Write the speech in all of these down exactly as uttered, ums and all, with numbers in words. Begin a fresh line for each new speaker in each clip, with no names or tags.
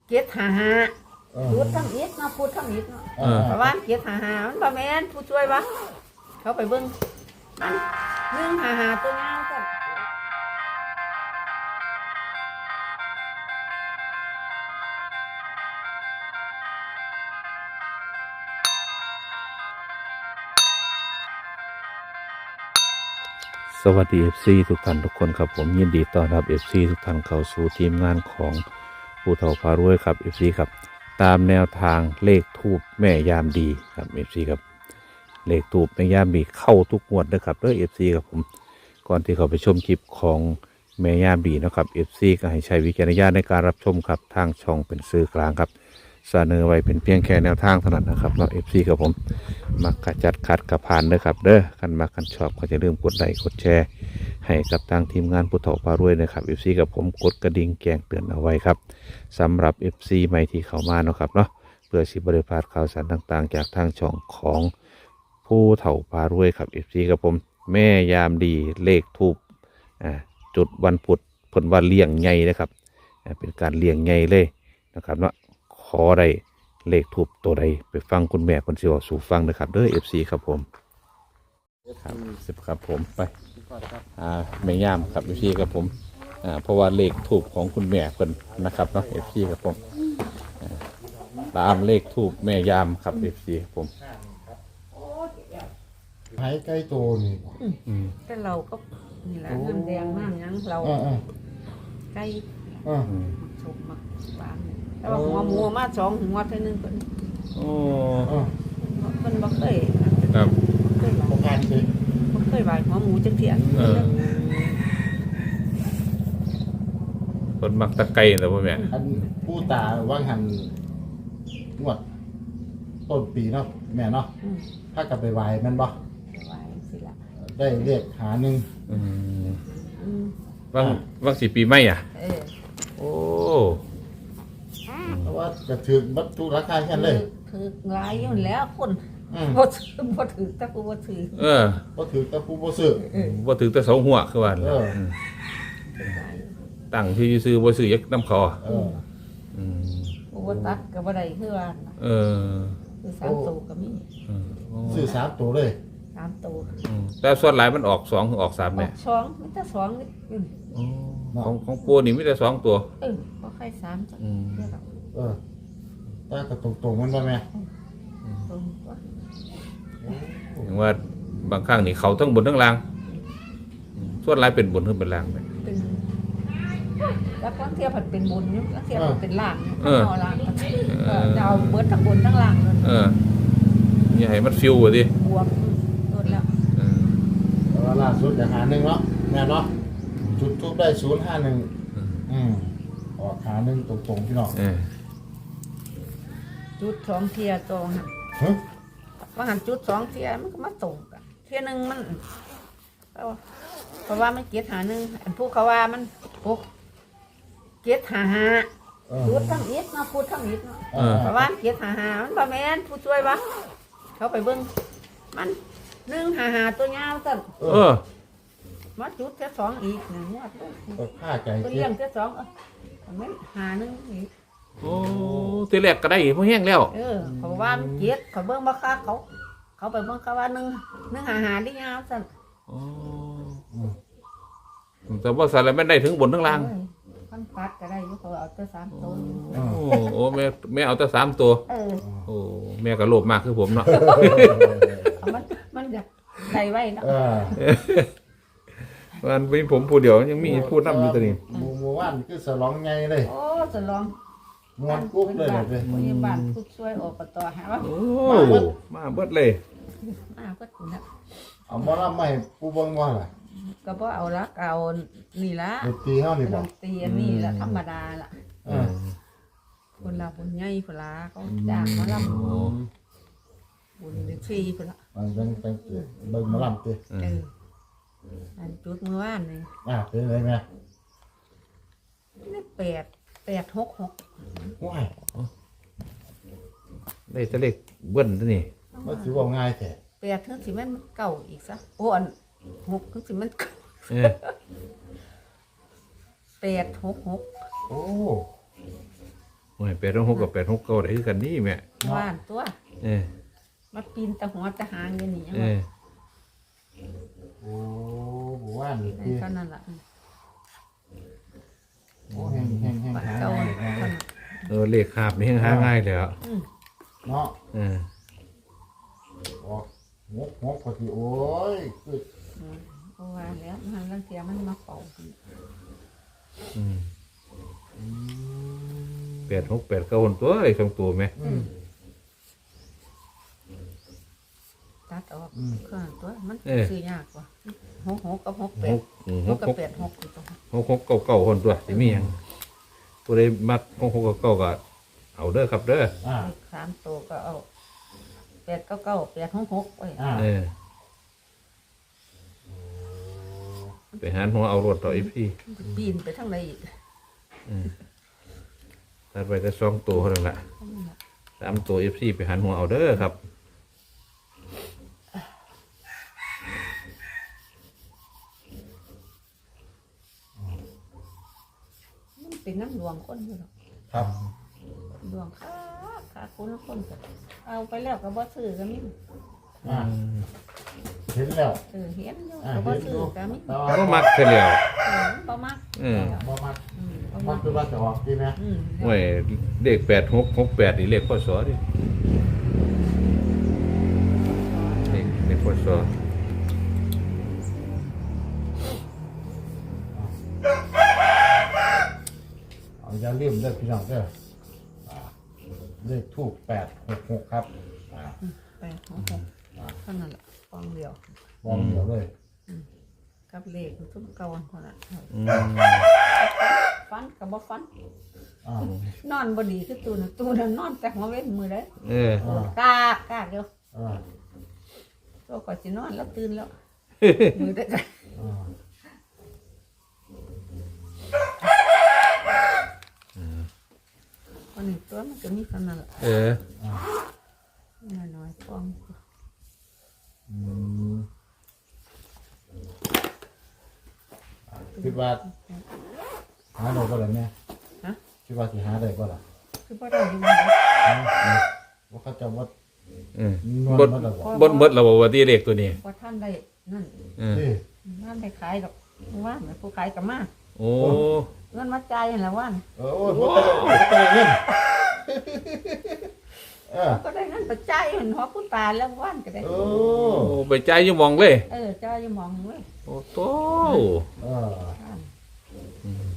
เกียรติหาหาพูดทั้งอิดเนาะพูดทั้งอิดเนาะเพราะว่าเกียรติหาหามันบ่แม่นผู้ช่วยวะเขาไปเบิ่งมันหนึ่งหาหาตัวยาวกัน
สวัสดี เอฟ ซี ทุกท่านทุกคนครับผมยินดีต้อนรับ เอฟ ซี ทุกท่านเข้าสู่ทีมงานของผู้เฒ่าพารวยครับ เอฟ ซี ครับตามแนวทางเลขทูปแม่ยามดีครับ เอฟ ซี ครับเลขทูปแม่ยามดีเข้าทุกงวดนะครับเด้อ เอฟ ซี ครับผมก่อนที่เขาไปชมคลิปของแม่ยามดีนะครับ เอฟ ซี ก็ให้ใช้วิจารณญาณในการรับชมครับทางช่องเป็นสื่อกลางครับเสนอไว้เป็นเพียงแค่แนวทางเท่านั้นนะครับเนาะ เอฟ ซี ครับผมมักกระจัดขัดกระพานเด้อครับเด้อคันมักคันชอบก็จะลืมกดไลค์กดแชร์ให้กับทางทีมงานผู้เฒ่าพารวยนะครับ เอฟ ซี กับผมกดกระดิ่งแจ้งเตือนเอาไว้ครับสำหรับ เอฟ ซี ใหม่ที่เข้ามาเนาะครับเนาะเพื่อสิบริพลาดข่าวสารต่างๆจากทางช่องของผู้เฒ่าพารวยครับ เอฟ ซี กับผมแม่ยามดีเลขทูปอ่าจุดวันพุธเพิ่นว่าเลี้ยงใหญ่นะครับอ่าเป็นการเลี้ยงใหญ่เลยนะครับเนาะขอได้เลขทูปตัวใดไปฟังคุณแม่คนสิเว้าสู่ฟังนะครับเด้อ เอฟ ซี ครับผมครับสิบครับผมไปอ่าแม่ย่ามครับ เอฟ ซี ครับผมอ่าเพราะว่าเลขทูปของคุณแม่เพิ่นนะครับเนาะ เอฟ ซี ครับผมอ่าตามเลขทูปแม่ย่ามครับ เอฟ ซี ครับผม
หายใกล้โตนี่
อืม
แต่เราก็นี่แหละน้ำแดงน้ำหยังเรา
อ่าอ่า
ใกล้
อ่า
อืม
ชมมากบานแต่ว่าหัวหมูมาสองหัวเท่านึงเพิ่น
โอ้
อ่า
เพิ่นบ่เคย
ครับ
บ่เคยไหว
ประการสิ
บ่เคยไหวหัวหมูจักเที่ย
เออคนมักตะไคร้แต่พ่อแม่
อันผู้ตาว่างหันงวดต้นปีเนาะแม่เนาะ
อืม
ถ้ากลับไปไหวแมันบ่
ไหวสิล่ะ
ได้เรียกหาหนึ่ง
อืม
อืม
ว่างว่างสี่ปีไม่อ่ะ
เออ
โอ้
เพราะว่ากระถือบัตรราคาแค่นั้นเลย
ถือหลายอยู่แล้วคน
อืม
บ่ถือบ่ถือแต่กูบ่ถือ
เออ
ก็ถือแต่ผู้บ่ซื้อ
เออ
ว่าถึงแต่สองหัวคือว่า
เออ
ม
หลาย
ตั้งที่ซื้อบ่ซื้อยักน้ำคอ
เออ
อืม
กูบ่ตัดก็บ่ได้คือว่า
เออ
คือสามตัวก็มี
เออโอ้
ซื้อสามตัวเลย
สามตัว
อืมแต่ส่วนหลายมันออกสองออกสาม
อ
เนี่
อย กสองมีแต่สองนี่อืม
ของของปูนี่มีแต่สองตัว
เออบ่ใครสามจ้ะ
อืม
เดี๋ยวเรา
เออตากระตรงๆมันบ่แม่
ตรงว่า
อย่างว่าบางครั้งนี่เขาทั้งบนทั้งล่างอืมส่วนหลายเป็นบนทั้งเป็นล่างเลย
เป็นแล้วบางเที่ยวผัดเป็นบนอยู่บางเที่ยวผัดเป็นล่างอยู่
เออ
เอาล่างก็เออจะเอาเบิดทั้งบนทั้งล่างเลย
เอออย่าให้มันฟิวอ่ะดิ
บวกโดนแล้ว
เออ
แต่ว่าล่าสุดอย่างหาหนึ่งเนาะแม่เนาะจุดทูบได้ศูนย์ห้าหนึ่งอืมออกหาหนึ่งตรงๆพี่น้อง
เออ
จุดสองเที่ยตรง
ฮะ
ว่าหันจุดสองเที่ยมันก็มาตรงกันเที่ยหนึงมันเอาเพราะว่ามันเกียรติหาหนึ่งอันผู้เขาว่ามันพวกเกียรติหาหา
เออ
พูดทั้งอิดเนาะพูดทั้งอิดเนาะ
เออ
เพราะว่าเกียรติหาหามันบ่แม่นผู้ช่วยวะเขาไปเบิ่งมันหนึ่งหาหาตัวยาวสั่น
เอ
เอ
อ
อ
มาจุดแค่สองอีกหนึ่งงวด
ก็ฆ่าใจ
ตัว
เจ็
เลี้ย
บ
งแค่สองเออมันหาหนึ่งอีก
โอ้ทีแรกก็ได้เพราะแห้งแล้ว
เออเขาว่ามันเกียรติเขาเบิ่งบ่ค่าเขา เขาไปเบิ่งเขาว่าหนึ่งหนึ่งหาหาได้ยาวสั่น
โอ้แต่ว่าสารไม่ได้ถึงบนทั้งล่าง
เอ้ยพันปัดก็ได้อยู่เขาเอาแต่สามตัว
โอ้โอ้แม่แม่เอาแต่สามตัว
เออ
โอ้แม่ก็โลภมากคือผมเนาะ
เอามันมันอยากได้ไว้เนาะ
เออ
มันมีผมผู้เดียวยังมีพูดน้ำอยู่ตัวนี้
หมู่หมู่บ้านคือสลองไงเลย
โอ้จะลอง
มวนกุ๊บเลยเลย
พยาบาลผู้ช่วยอบตหาว่า
โอ้มาเบิดเลย
มาก็ถึงแล้ว
เอามารับไม่ผู้เบิ่งว่าล่ะ
ก็บ่เอาละเอานี่ละ
ดนตรีเฮานี่
ด
บ่
นตรีอันนี้ละธรรมดาละ
เออ
คนละบุญใหญ่พุ่นละเขาจ้างมาลำ
โอ้
บุญฟรีพุ่นละ
มันเป็นเป็นเบิ่งหมาลำติ
เอออันจุดเมื่อวานนี่
อ่ะเป็นไรแม่
นี่แปดแปดหกหก
ว้าย
ได้แต่เลขเบิ้ลตัวนี้
มันสิเว้าง่ายแท้
แปดถึงสิมันเก่าอีกซะโอ้อันหกถึงสิมันเก่า
เออ
แปดหกหก
โอ้
โอ้ยแปดหกกับแปดหกเก้าได้คือกันนี่แม่
ว่านตัว
เออ
มาปีนตะหัวตะหางอย่างนี้
เออ
โอ้บ่ว่านี่
ใน
ที่
เท่านั้นล่ะ
โอ้แห้งแห้งแห้ง
ปัด
หา
เก่า
ง่าย
เท่านั้น
เออเลขคาบนี่หาง่ายเลยอ่ะ
อืม
เนาะ
เออ
ออกงกงกพอดีโอ้ยคือ
อืมเพราะว่าแล้วมันลังเทียมันมาเป่า
อืม
อืม
แปดหกแปดเก้าคนตัวไอ้สองตัวไหม
อืม
ตัดออก
อืม
เครื่องตัวมัน
เออ
ซื้อยากกว่าหกหกกับหกแป
ห
ด
กอืม
ห
ห
ก
ก
กับ
หก
แปดหกอยู่ตรง
หกหกเก้าเก้าคนตัวสิมีหยังผู้ใดมักหกหกเก้าเก้าก็เอาเด้อครับเด้อ
อ่า
เลขสามตัวก็เอาแปดเก้าเก้าแปดหกหกไว้
อ่า
เออไปหาหัวเอารถต่ออีพี่
ปีนไปทางไหนอีก
ตัดไปแต่สองตัวเท่านั้นแหละสามตัวเอฟซีไปหันหัวเอาเด้อครับ
มันเป็นน้ำดวงคนอยู่หรอก
ครับ
ดวงขาขาคนละคนก็เอาไปแล้วก็บ่ซื้อก็มี
อ่าเห็นแล้ว
เออเห็นอยู่
อ่า
ก็บ่
เห็น
ซื้
ดู
อก็มี
แต่
ก็
ว่า
มักเฉลียว
เออบ่มัก
เออ
บ่มัก
อืมบ่
มั
มั
ก
ก
คือว่าจะออกดีไหม
อืม
ห่วยเลขแปดหกหกแปดนี่เลขพศดิเลขเลขพศ
เอาอย่าลืมเด้อพี่น้องเด้ออ่าเลขทูปแปดหกหกครับอ่า
แปดหกหกเท่านั้นแหละฟองเดียว
วางเดียวเลย
กับเลขทุกเก่าเท่านั้น
อืม
ฟันกับบ่ฟัน
อ่าน
อนบ่ดีคือตูน่ะตูน่ะนอนแต่หัวเว้นมือได้
เออ
กากกากเดียว
อ่า
ตัวก่อนสินอนแล้วตื่นแล้วมือได้กัน
อ่า
วันนี้ตัวมันก็มีขนาดละ
เออ
น้อยๆฟอง
อืมคิดว่าหาได้บ่ล่ะแม่
ฮะ
คิดว่าสิหาได้บ่ล่ะ
คือบ่ได้อยู่บ่ได้
ว่าเขาจะวัด
เออน
วล
บด
มาตลอด
บดเบิดเราบอกว่าที่เลขตัวนี้
บ่ท่านได้นั่น
เออ
นี่
ท่านได้ขายดอกว่านผู้ขายก็มา
โอ้
เงินมาจ่ายนั่นแหละว่าน
เออโอ้ยบ่ได้บ่ได้เงินเออ
ก็ได้เงินไปจ่ายเห็นหัวผู้ตายแล้วว่านก็ได้
โอ้
โอ้ไปใจอยังมองเลย
เออจ่ายอยู่หมองเว้ย
โอ้โต
เออ
ว่าน
อืม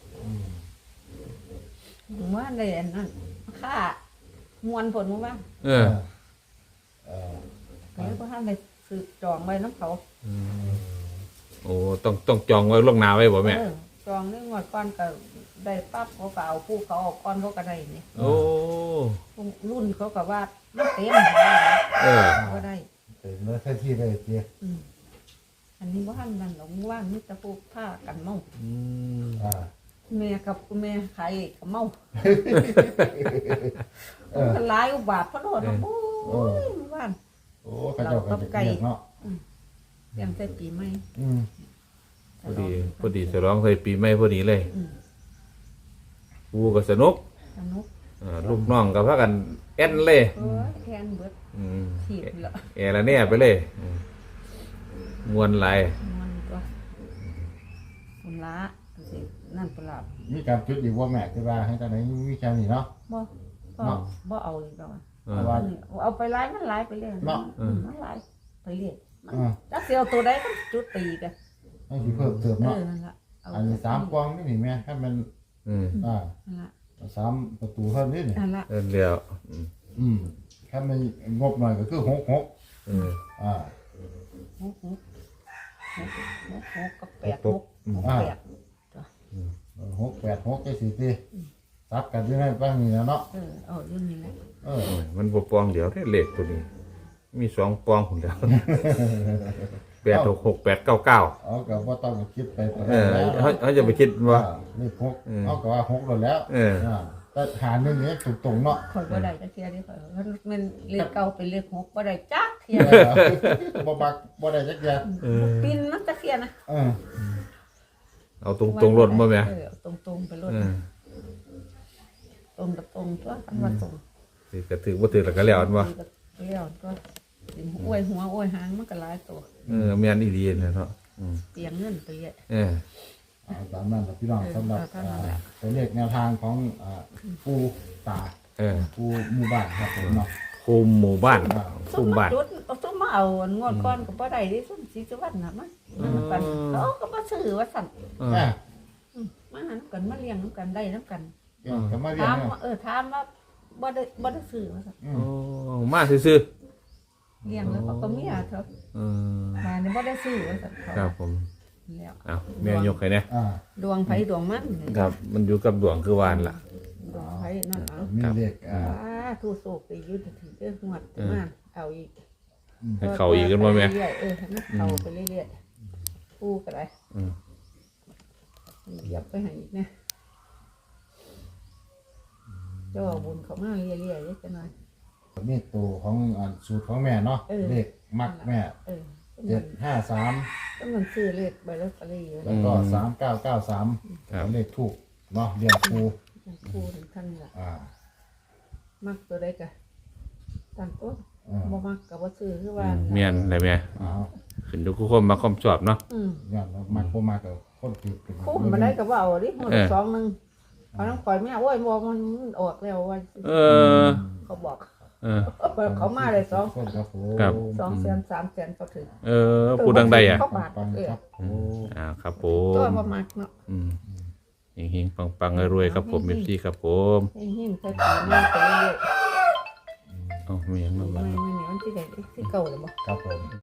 ว่านได้อันนั้นค่ามวนผลว่า
เอ
เอ
อ
อเออ
ก็เลยบ่ท่านได้ซื้อจองไว้น้ำเขา
โอ้ต้องต้องจองไว้ล่วงหน้าไว้บ่แม่
เออจองเรื่องงวดก่อนก็ได้ปั๊บเขาก็เอาผู้เขาเออกก่อนเขาก็ได้นี่
โอ้
รุ่นเขาก็ว่ามันเต็ม
เออ
ก็ได้
เป็นเมื่อแค่ที่ได้เจีย
อืมอันนี้ว่าท่านนั่นหลงว่างนี่ตะปูผ้ากันเมา
อืม
อ่า
แม่กับคุณแม่ขายกับเมา
เออ
มันหลายอุบาทเพราะโดนโอ้ยว่าน
โอ้เขาเจ้าก็จะเรียกเนาะ
เตรียมใส่ปีใหม่
อืม
พอดีพอดีฉลองใส่ปีใหม่พอดีเลย
อืม
กูก็สนุก
สนุก
อ่าลูกน้องก็พากันแอนเลย
เอ้ยแทนเบิด
อืม
ถีบละ
แอร์ละเนี่ยไปเลยอืมมวนไหลาย
มันก็คุณละสินั่นปลาบ
มีการจุดอีกว่าแม่ที่ว่าให้ตอนไหนมีแค่นี้เนาะ
บ่บ่บ่เอาอีกแล้วอะ
อ่า
ว่า
เอาไปไล่มันไล่ไปเรื่อย
เนาะ
อืมมันไล่ไปเรื่อยมัน
อ่า
ถ้าเสียวตัวใดก็จุดตีกัน
ให้สิเพิ่มเติม
เอ
เนาะ
อนั่นละเา
อันนี้สามกล่องนี่นี่แม่ให้มัน
อืม
อ่า
นั่นละ
สามประตูเท่านี้นี่
นั่นละ
เอิ้นเดียวอืม
อืมถ้ามันงบหน่อยก็คือหกหก
อืม
อ่า
หกหกหกหกหกกับแปด
ห
ห
ก
ก
อืม
หกแปด
หกแปดหกเจ็ดสี่ตีซับกันอยู่ในบ้างนี่นะเนาะ
เออเอาอยู่นี่แหละ
เออ
โอ้ยมันบ่ปองเดียวได้เลขตัวนี้ มีสองปองหุ่นแล้วแปดหกหกแปดเก้าเก้า
เอากับว่าต้องคิดไปตอน
เอ
นั้น
อ
แล้ว
เขาเขาจะไปคิดว่า
นี่หก
เออ
เอากับว่าหกแล้วแล้ว
เออ
าแต่หาหนึ่งนี้ถูกตรงเนาะ
ข่อยบ่ได้จักเทียเดิข่อยมันมันเลขเก่าเป็นเลขหกบ่ได้จักเทีย
เออบ่บักบ่ได้จักอย่าง
ปินมันจักเทียนะ
เออ
เอาตรงตรงๆรถมาไหม
เออเอาตรงๆไปรถ
เออ
ตรงกับตรงตัวกันว่าตรง
ถือกระถือบ่ถือแล้วก็แล้วอันบ่
เลี้ยวตัวสิอวยหัวอวยหางมันก็หลายตัว
เออแม่นอีหลีนะเนาะอืม
เตียงเงินไปเยอะ
เออ
เอาตามนั้นครับพี่น้องสำหรับ
เออเอาตามนั้นแหละ
อ่าตัวเลขแนวทางของอ่าปูตา
เออ
ปูหมู่บ้านครับผมเนาะ
คุมหมู่บ้าน
อ่า
คุมบ้าน
จุดเอาซุ่มมาเอางวดก้อนก็บ่ได้ดิซุ่มสีสุวรรณน่ะมันมันกันเขาก็บ่ซื้อว่าสั่น
เอ
แม่
อ
อืมมาหาน้ำกันมาเลี้ยงน้ำกันได้น้ำกัน
เดี๋ยวจะมาเรียน
ถาม
เนี่ย
ว่าเออถามว่าบ่ได้บ่ได้ซื้อว่าสั่น
อื
โอ้
ม
มาซื่อ
เลี้ยงแล้วเขาก็เมียเถอะ
ๆเออ
มานี่บ่ได้ซื้อว่าสั่นเขา
ครับผม
แล้ว
เอาแม่ยกให้แน่
อ่า
ดวงไผดวงมัน
ครับ มันอยู่กับดวงคือวานล่ะ
ดวงไผนั่นเอา
มีเลขอ่า
อ่าทูโศกไปอยู่ถึงเด้องวดมาเอาอีก
ให้เข้าอีกกันบ่แม่
เรื่อยๆเออให้มันเข้าไปเรื่อยๆปูก็ได้
อืม
เหยียบไปให้อีกนะเจ้าเอาบุญเขามาเรื่อยๆเลยจังหน่อย
นี่ตัวของอ่าสูตรของแม่เนาะ
เออ
เลขมักแม่
เออ
เจ็ดห้าสาม
ก็มันซื้อเลขใบลอตเตอรี่อยู่
แล้วก็สามเก้าเก้าสาม
ครับ
เลขถูกเนาะเรียงครู
ปูถึงท่านละ
อ่า
มักตัวใดกะตั้งต้น
อ่า
บ่มักกับบ่ซื้อคือว่า
แม่นได้แม่
อ้าว
ขึ้นอยู่กับคนมาความชอบเนาะ
อืม
ย้อนแล้วมักบ่มักก็คนผิดเป็น
คุ้มมาได้ก็บ่เอาดิหมด
เออ
สองหนึงเอาน้ำข่อยแม่โอ้ยบ่มันออกแล้วว่า
เออ
เขาบอก
เออ
เขามาเลยสอง
คนครับผม
ครับ
สองแสนสามแสนเขาถึง
เออพูดดังใดอ่ะ
เขาบาท
ปัง
เออ
ครับโอ้
อ่าครับผ
ตัว
ม
บ่มักเนาะ
อืมเฮงๆปังๆรวยๆครับผมเอฟซีครับผม
หิ้งๆใส่ปีมาไปเรื่อย
เอ้าไม่ยัง
ๆ
มา
ไม่
บ้าง
ไม่นี่มันสิได้สิเก่าแล้วบ่
ครับผม